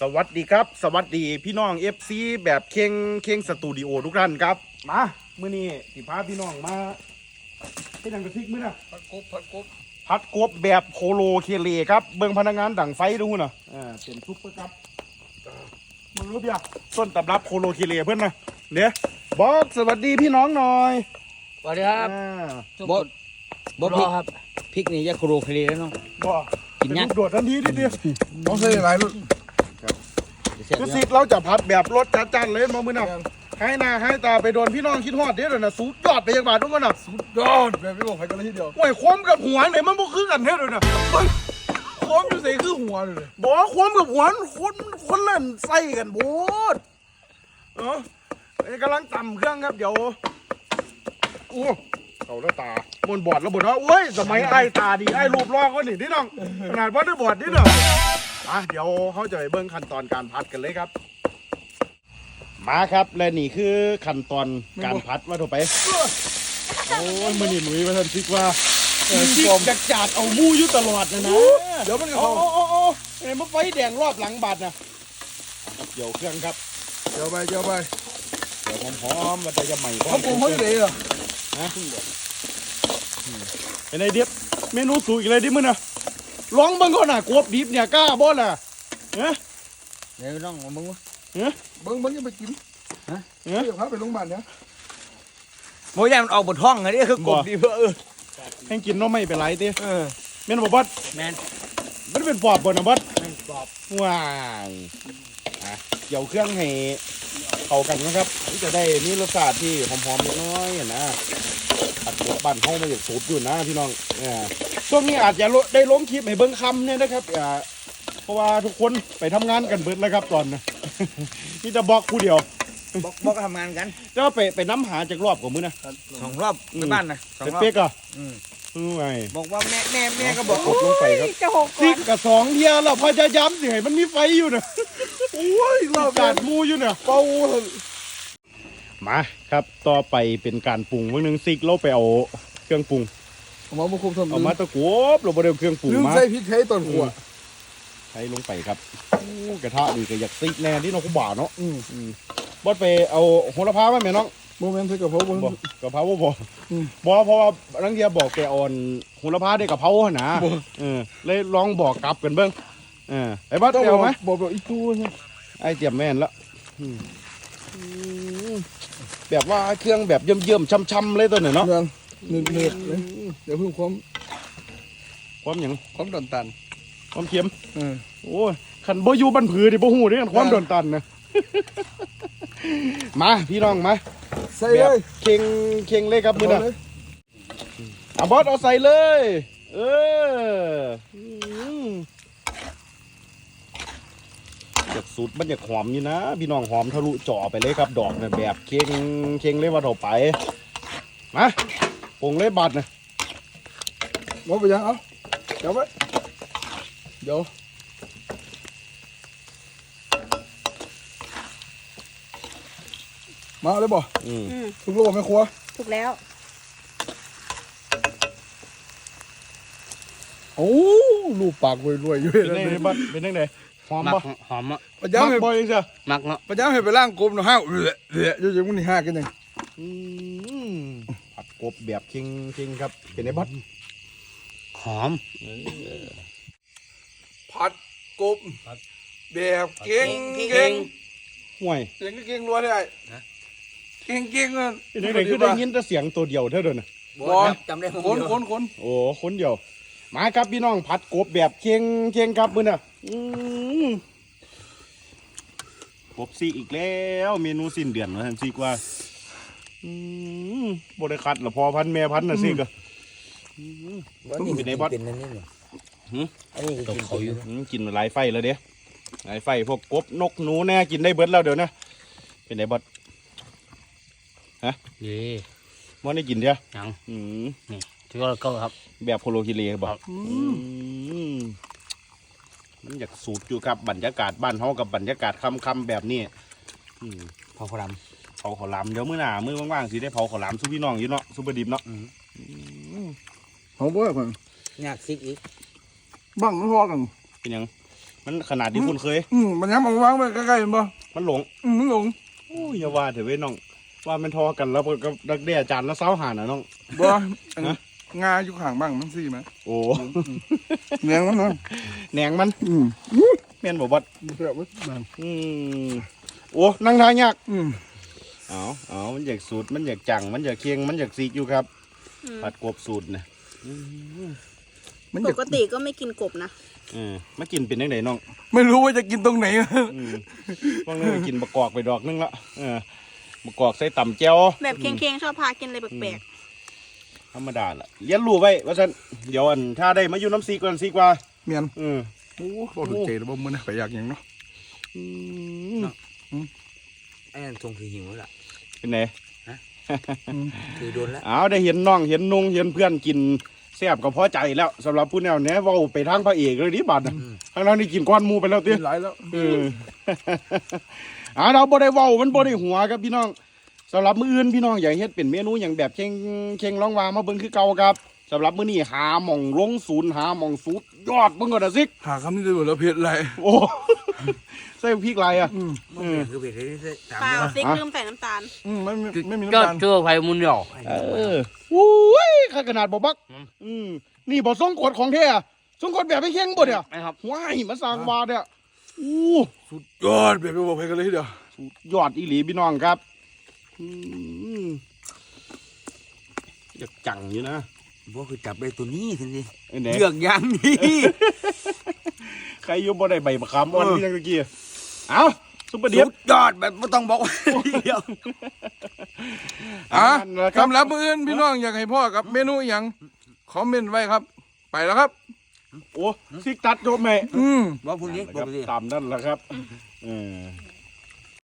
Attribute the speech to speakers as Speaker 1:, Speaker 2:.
Speaker 1: สวัสดีครับสวัสดีพี่น้อง FC แบบเค็งสตูดิโอทุกท่านครับมามื้อนี้สิพาพี่น้องมาเป็นหยังกระทิกมื้อน่ะผัดกบแบบโคโลเคเลครับเบิ่งพนักงานดั่งไฟดูน่ะเป็นซุปเปอร์ครับมึงรู้ป่ะต้นตำรับโคโลเคเลเพื่อนนะเดี๋ยวบอกสวัสดีพี่น้องหน่อย
Speaker 2: สวัสดีครับบอสครับพริกนี่ยาโคโรคลีแล้วน้อง
Speaker 1: บอกกินยักโดดทันทีนิดเดียว
Speaker 3: ต้องใส่หลายรุ่น
Speaker 1: คือสิเราจะผัดแบบรสจัดๆเลยมามื้อน่ะให้หน้าให้ตาไปโดนพี่น้องคิดฮอดเด้อน่ะสุดยอดไปยังบาททุกคนน่ะ
Speaker 3: สุดยอดแบบไม่บอกใครกันเลยทีเดียว
Speaker 1: โอ้ยความกับหัวไหนมันบ่คือกันเด้อน่ะ
Speaker 3: ความอยู่ใส่คือหัวเลย
Speaker 1: บอกความกับหัวคนเล่นใส่กันโพดกำลังตำเครื่องครับเดี๋ยวโอ้เขาแล้วตาบนบอดแล้วบนว่าโอ้ยสมัยไอ้ตาดีไอ้รูปร่างก็นี่ที่น้องขนาดว่าได้บอดนี่เนาะเดี๋ยวเขาจะไปเบิ้งขั้นตอนการพัดกันเลยครับมาครับและนี่คือขั้นตอนการพัดว่าถูกไปโอ้ยมันนี่หนุ่ยมาทันซิกว่าซิกจัดเอามูอยู่ตลอดนะ
Speaker 3: เดี๋ยวมันจะ
Speaker 1: โอ้
Speaker 3: เข้า
Speaker 1: ไอ้มาไฟแดงรอบหลังบาดนะเกี่ยวเครื่องครับ
Speaker 3: เดี๋ยวไป
Speaker 1: เดี๋ยวหอมๆมันจะใหม่
Speaker 3: เขาปรุงเขาเลยเหรอ
Speaker 1: นะเป็นไงเดียบเมนูสูตรอีกเลยดิมึงนะลองบังก่อนน่ะกบดิบเนี่ยกล้าบ่ล่ะ
Speaker 2: เดี๋ยวน้องมึงวะ
Speaker 3: เบิ้งยังไปกินเดี๋ยวพาไปโรงพยาบาลเนี่ย
Speaker 2: โมยมันออกบนท้องไงนี่คือกบดิบ
Speaker 1: ให้กินน้องไม่เป็นไรดิเมนูบอส
Speaker 2: แมน
Speaker 1: มันเป็นปอบบ่นะบอส
Speaker 2: ปอบ
Speaker 1: ว้ายเกี่ยวเครื่องให้เข้ากันนะครับจะได้มีรสชาติที่หอมๆเล็กน้อยนะผัดกบบ้านเขาไม่อยากสูตรอยู่นะพี่น้องช่วงนี้อาจจะได้ล้มคลิปให้เบิ้งคำเนี่ยนะครับเพราะว่าทุกคนไปทำงานกันเบิดแล้วครับตอนนะนี่จะบอกผู้เดียว
Speaker 2: บอกทำงานกัน
Speaker 1: จะไปน้ำหาจากรอบกว่ามื้อนะ
Speaker 2: 2 รอบในบ้านนะ
Speaker 1: เป็นเป๊กอ่ะไง
Speaker 2: บอกว่าแม่ก็บอก
Speaker 1: กดลงไปครับซิกกับ2 เทียแล้วพยายามสิให้มันมีไฟอยู่นะโอ้ยรอบการมูอยู่เนี่ยเป่ามาครับต่อไปเป็นการปรุงวันนึงซิกเราไปเอาเครื่องปรุง
Speaker 3: เอามาคุมทำ
Speaker 1: เอามาตะกบเราไปเดิมเครื่องปรุงมา
Speaker 3: ใส่พริกไทยต้นหัว
Speaker 1: ใช้ลงไปครับกระทะดีก็อยากซิกแน่ที่น้องคุณบ่าเนาะบอสไปเอาโหระพาไหมแม่น้อง
Speaker 3: โมเมนต์ใส่กระเพราบ่
Speaker 1: กระเพราบ่เพราะว่านังเดียบอกแกอ่อนโหระพาได้กระเพราหนาเลยลองบอกกลับกันเบิ้งไอ้บอสเดียวไหม
Speaker 3: บอกอีตู้
Speaker 1: ไอ้เตรียมแม่นแล้วแบบว่าเครื่องแบบเยิ่มๆช้ำๆเลยตัวหนึ่งเนาะ
Speaker 3: เนื้อเลยเดี๋ยวเพิ่ม
Speaker 1: ความอย่าง
Speaker 3: ความดันตัน
Speaker 1: ความเค็มโอ้ยขันบ่อยู่บันผือดิบ่หูดิขันความดันตันนะมาพี่น้องมา
Speaker 3: ใส่เลย
Speaker 1: เข่งเลยครับมือน่ะบอสเอาใส่เลยอยากสูตรมันอยากหอมอยู่นะพี่น้องหอมทะลุจ่อไปเลยครับดอกเนี่ยแบบเข่งเลยว่าต่อไปมาปรุงเลยบัดนะ
Speaker 3: ว่าไปยังเอาเดี๋ยวมาเลยบ่ถูกลูกไม่ครัว
Speaker 4: ถูกแล้ว
Speaker 3: โอ้ลูกปากรวยๆอยู่
Speaker 1: เป็นไงบัดเป็นไงหอมบ่
Speaker 2: หอมอ่ะ
Speaker 3: ประจำให้
Speaker 1: บ่อยจ้ะ
Speaker 2: มักเนาะ
Speaker 3: ประจำให้ไปล่างกบเนาะห้าวอยู่มันนี่ห้ากันยัง
Speaker 1: ผัดกบแบบเค็งครับเป็นไงบัด
Speaker 2: หอม
Speaker 3: ผัดกบแบบเก่ง
Speaker 1: ห่วย
Speaker 3: เก่งรัวได้เก่งอ่ะ
Speaker 1: เป็นไงคือได้ยินแต่เสียงตัวเดียวเท่าเดิมนะ
Speaker 2: จำได้
Speaker 3: คน
Speaker 1: โอ้คนเดียวมาครับพี่น้องผัดกบแบบเค็งครับมื้อน่ะกบซีอีกแล้วเมนูสิ้นเดือนนะท่านซีกว่าบริคัดหรอพอพันแม่พันน่ะซีก็
Speaker 2: เป็นไงบอสเป็นนั่นนี่เหรออันนี้ตกเขาอยู่
Speaker 1: กินหลายไฟแล้วเด้หลายไฟพวกกบนกหนูแน่กินได้เบิดแล้วเดี๋ยวนะเป็นไงบอสฮะบอสได้กินเดียว
Speaker 2: ยังนี่ที่ว่าก็ครับ
Speaker 1: แบบโคโลคิเลบอกมันอยากสูตรอยู่กับบรรยากาศบ้านเฮากับบรรยากาศค่ำแบบนี้
Speaker 2: เผาขล
Speaker 1: ามเดี๋ยวมื้อหน้ามื้อว่างๆสิได้เผาข้าวหลามซุปพี่น้องอยู่เนาะซุปเปอร์ดิบเนาะ
Speaker 3: เขาบ่อยคน
Speaker 2: ยากซิกอีก
Speaker 3: บังมันพอกัน
Speaker 1: เป็นยังมันขนาดที่คุณเคย
Speaker 3: มันย้ำเอาวางไว้ใกล้ๆมันบ่
Speaker 1: มันหลง
Speaker 3: มันหลง
Speaker 1: โอ้ยอย่าว่าเถอะเว้ยน้องว่ามันทอกันแล้วก็ดักแด้จานแล้วเซ้าหาน่ะน้อง
Speaker 3: บ่งาอยู่ข้างบ้างมันซี่มั้ย
Speaker 1: โอ้
Speaker 3: แหนงมันเนาะ
Speaker 1: แหนงมันแม่นบ่บัด
Speaker 3: เสียบมันนั่น
Speaker 1: โอ้นั่งทางยาก
Speaker 4: Ừ.
Speaker 1: มันอยากสูตรมันอยากจังมันอยากเคียงมันอยากซีกอยู่ครับผัดกบสูตรนะ
Speaker 3: มันอ
Speaker 4: ป
Speaker 3: ยาก
Speaker 4: กติก็ไม่กินกบนะ
Speaker 1: มากินเป็นยังไงน้อง
Speaker 3: ไม่รู้ว่าจะกินตรงไหน
Speaker 1: บางเรื่องกินบะกอกไปดอกนึงละบะกอกใส่ต่ำแจ่ว
Speaker 4: แบบเค็งๆชอบพากินอะไรแปลก
Speaker 1: ธรรมดาล่ะเลี้ยนรู้ไว้ว่าฉันเดี๋ยวถ้าได้มาอยู่น้ำซีกว่าซีกว่า
Speaker 3: เมียน
Speaker 1: อืม
Speaker 3: โอ้บ่ถูกใจแล้วบ่มื้อนะไปอยากหยังเนาะ
Speaker 2: ไอ้นั่นทงคือหิวแล้วล่ะ
Speaker 1: เป็นไง
Speaker 2: คือโดนแล้ว
Speaker 1: เอาได้เห็นน้องเห็นนุ่งเห็นเพื่อนกินแซ่บก็พอใจแล้วสำหรับผู้แนวเนี้ยเว่าไปทางพระเอกเลยดิบัดทางนั้นนี่กินก้อนหมูไปแล้วเตี้ย
Speaker 3: กินหลายแล้ว
Speaker 1: เราบ่ได้เว้ามันบ่ได้หัวครับพี่น้องสำหรับมื้ออื่นพี่น้องอยากเฮ็ดเป็นเมนูอย่างแบบเข่งร้องวามาเบิ่งคือเก่าครับสำหรับมื้อนี้หาหม่องลงศูนย์หาหม่องสูตรยอดเบิ่งก่อนนะซิก
Speaker 3: หาคำนี้ได้บ่แล้วเผ็ดหลาย
Speaker 1: โอ้ ใส่พริกอะไรอ่ะ
Speaker 2: คือเผ็ดเลยถาม
Speaker 4: ๆเปล่า
Speaker 2: ว่า
Speaker 4: ซิกลืมใส่น้ำตาล
Speaker 3: ไม่มี
Speaker 2: ก็
Speaker 3: น้ำตาล
Speaker 2: เจอไผ่มุนหยอก
Speaker 1: อุ้ยข้าขนาดบ่บักนี่บ่ทรงกฎของแท้อะทรงกฎแบบไม่เข่งบ่เนี่ย
Speaker 2: นะครับ
Speaker 1: ว้ายมาสร้างวาดเนี่ยอู้
Speaker 3: สุดยอดแบบบ่เผ็ดกันเลยทีเดียว
Speaker 1: ยอดอีหลีพี่น้องครับอยากจังอยู่นะ
Speaker 2: ว่าคือจับได้ตัวนี้สิ
Speaker 1: ไอ้ไหน
Speaker 2: เลือกยางนี้
Speaker 1: ใครอยุ่บ่ได้ใบมะขามอ่อนพี่ยังตะกี้เอาซุปเปอร์เดีย
Speaker 2: สุดยอดแบบไม่ต้องบอกว่าเดียว
Speaker 3: สำหรับมื้ออื่นพี่น้องอยากให้พ่อกับเมนูหยังคอมเมนต์ไว้ครับ ไปแล้วครับ
Speaker 1: โอ้ซิกตัดโยมแม่
Speaker 2: บอกพวกนี้บอกไปสิ
Speaker 1: ตามนั่นแหละครับ